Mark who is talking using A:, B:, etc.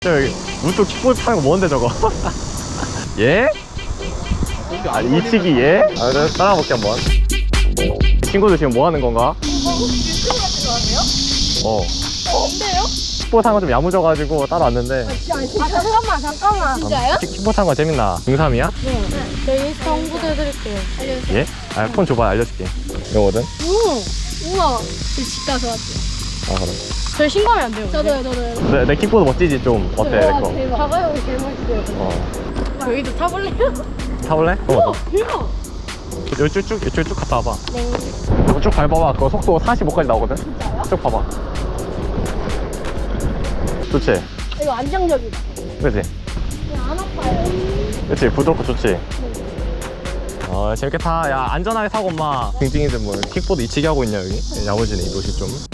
A: 여기 우뚝 킥보드 타는 거 뭔데 저거? 예? 아 이치기 예? 아 그래 따라볼게 한번. 친구들 지금 뭐 하는 건가?
B: 유튜브 같은 거 하세요? 뭔데요?
A: 킥보드 타는 거 좀 야무져가지고 따라왔는데.
B: 잠깐만. 진짜요?
A: 킥보드 타는 거 재밌나? 중3이야?
B: 네. 저희 인스타 홍보도 해드릴게요. 알려주세요.
A: 예? 아 폰 줘봐 알려줄게. 이거거든?
B: 우와. 집 가서 왔죠.
A: 아 그래.
B: 저희 신고하면 안 돼요. 저도요.
A: 내 킥보드 멋지지 좀. 어때 내 거?
B: 대박. 가봐요. 제일 멋있어요. 저희도 타볼래요?
A: 타볼래?
B: 대박.
A: 이쪽 쭉 갔다 와봐.
B: 네.
A: 이거 쭉 밟아봐. 그거 속도 45까지 나오거든? 진짜요? 쭉 봐봐. 좋지?
B: 이거 안정적이다.
A: 그치?
B: 그냥 안 아파요.
A: 그치? 부드럽고 좋지? 재밌게 타. 야 안전하게 타고 엄마 징징이들 뭐 킥보드 이치기 하고 있냐 여기? 야무지네 이 도시 좀.